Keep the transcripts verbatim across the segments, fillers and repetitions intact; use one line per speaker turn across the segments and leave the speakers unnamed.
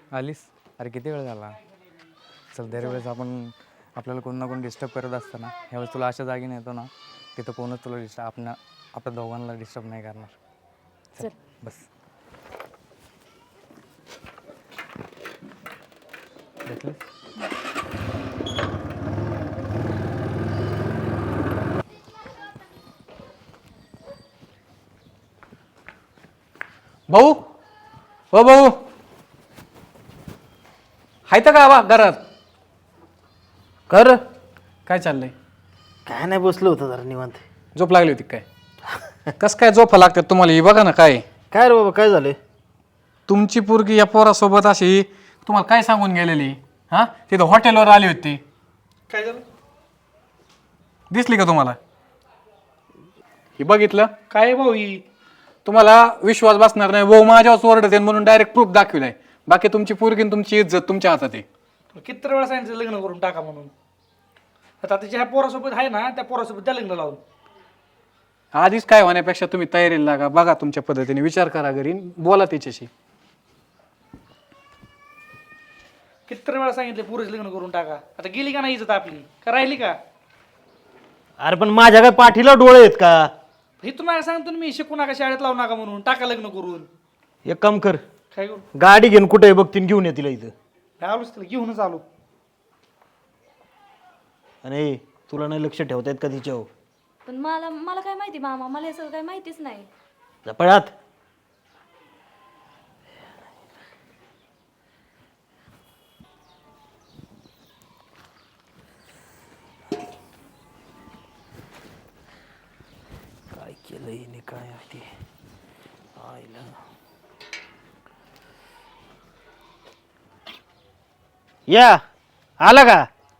आलीस? अरे किती वेळ झाला. चल दरवेळेस आपण आपल्याला कोण ना कोण डिस्टर्ब करत असतं ना, ह्यावेळेस तुला अशा जागी नेतो ना तिथं कोणच तुला डिस्टर्ब आपण आपल्या दोघांना डिस्टर्ब नाही करणार.
चल
बस भेटले.
भाऊ हो भाऊ हाय तर का बा घरात?
कर
काय चाललंय?
काय नाही बसलो होतं जरा निवांत.
झोप लागली होती काय? कस काय झोपा लागतात तुम्हाला? ही बघा ना काय
काय रे बाबा काय झालंय?
तुमची पोरगी या पोरासोबत अशी तुम्हाला काय सांगून गेलेली? हा तिथं हॉटेलवर आली होती.
काय झालं?
दिसली का तुम्हाला? हे बघितलं?
काय भाऊ ही?
तुम्हाला विश्वास बसणार नाही. भाऊ माझ्यावर ओरडते म्हणून डायरेक्ट प्रूफ दाखविलाय. बाकी तुमची पोरगी आणि तुमची इज्जत तुमच्या हातात आहे.
किती वेळा सांगितलं लग्न करून टाका म्हणून. आता त्याच्या ह्या पोरासोबत आहे ना, त्या पोरासोबत त्या लग्न लावून.
आधीच काय होण्यापेक्षा तुम्ही तयारीला लागा. बघा तुमच्या पद्धतीने विचार करा घरी, बोला तिच्याशी.
किती वेळा सांगितले पुरेच लग्न करून टाका. आता गेली का नाही इज्जत आपली? का राहिली का?
अरे पण माझ्या काय पाठीला डोळे आहेत का?
हे तुम्हाला सांगतो ना मी, शिकू नका, शाळेत लावू नका म्हणून. टाका लग्न करून.
एक काम कर,
काय करू?
गाडी घेऊन कुठे बघतीन घेऊन ये तिला इथं.
आलोच तिला घेऊनच आलो.
आणि तुला नाही लक्ष ठेवता येत का तिच्यावर?
पण मला मला काय माहिती मामा, मला हे सगळं काही माहितीच नाही.
झपळात काय केलं हिने काय आहे ते आईला. या आला का?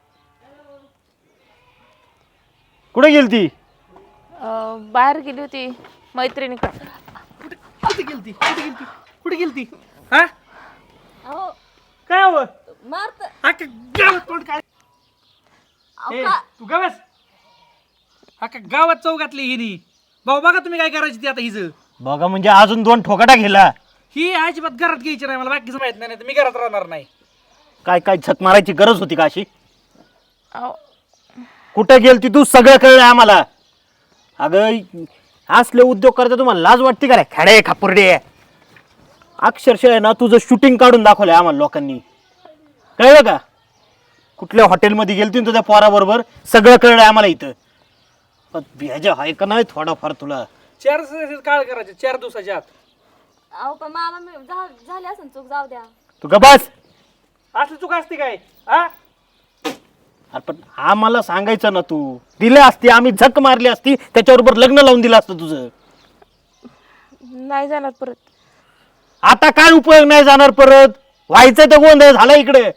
कुठे गेली ती?
अं, बाहेर गेली होती मैत्रिणीकडे.
कुठे गेलती? कुठे गेलती? कुठे गेलती? हा?
अहो
काय हवं?
मारत
अख्खा गावात तोंड काय? ए, तू गावास अख्खा गावात चौकातली हिनी. भाऊ बघा तुम्ही काय करायची ती आता हिचं.
बघा म्हणजे अजून दोन ठोकाटा गेला.
ही अजिबात घरात घ्यायची नाही. मला बाकीचं माहित नाही, नाही तर मी घरात राहणार नाही.
काय काय छत मारायची गरज होती का अशी?
अहो,
कुठे गेलती तू? सगळं कळलं आम्हाला. अगं असले उद्योग करता तुम्हाला लाज वाटते का रे? खडे खापुर्डे अक्षरशः आहे ना तुझं शूटिंग काढून दाखवलंय आम्हाला लोकांनी. कळलं का? कुठल्या हॉटेलमध्ये गेलती तुझ्या पोराबरोबर सगळं कळलंय आम्हाला इथं. पण भेजा आहे का नाही थोडाफार तुला?
चार दिवसाची काळ करायचे, चार दिवसाच्या आत.
अहो पण मामा मी झा- झाली असं चूक, जाऊ द्या.
तू गबास.
असली चूक असते काय? हा?
अरे पण आम्हाला सांगायचं ना, तू दिले असती, आम्ही झक मारली असती, त्याच्याबरोबर लग्न लावून दिलं असतं तुझं.
नाही जाणार परत.
आता काय उपयोग नाही जाणार परत? व्हायचं तर गोंधळ झाला इकडे.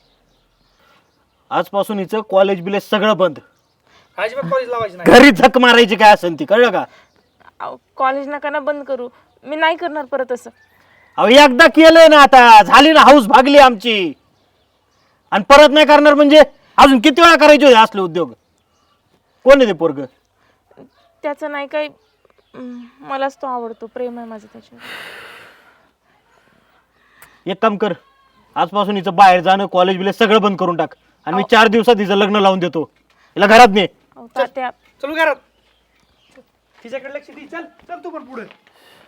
आजपासून हिचं कॉलेज बिलेज सगळं बंद.
अजिबात कॉलेज लावायची नाही.
घरी झक मारायची काय असेल ती, कळलं का?
अहो, कॉलेज नका ना बंद करू. मी नाही करणार परत असं.
अहो एकदा केलंय ना, आता झाली ना हाऊस भागली आमची. आणि परत नाही करणार म्हणजे अजून किती वेळा करायचे होते असले उद्योग? कोण आहे ते पोरग?
त्याचं नाही काही. अं, मलाच तो आवडतो. प्रेम आहे माझं त्याच्यावर.
एक काम कर, आजपासून हिचं बाहेर जाणं कॉलेज बिलेज सगळं बंद करून टाक. आणि मी चार दिवसात हिचं लग्न लावून देतो. हिला घरात ने.
अहो, तात्या
चलू घरात. तिच्याकडे लक्ष दे. चल चल तू पण पुढे.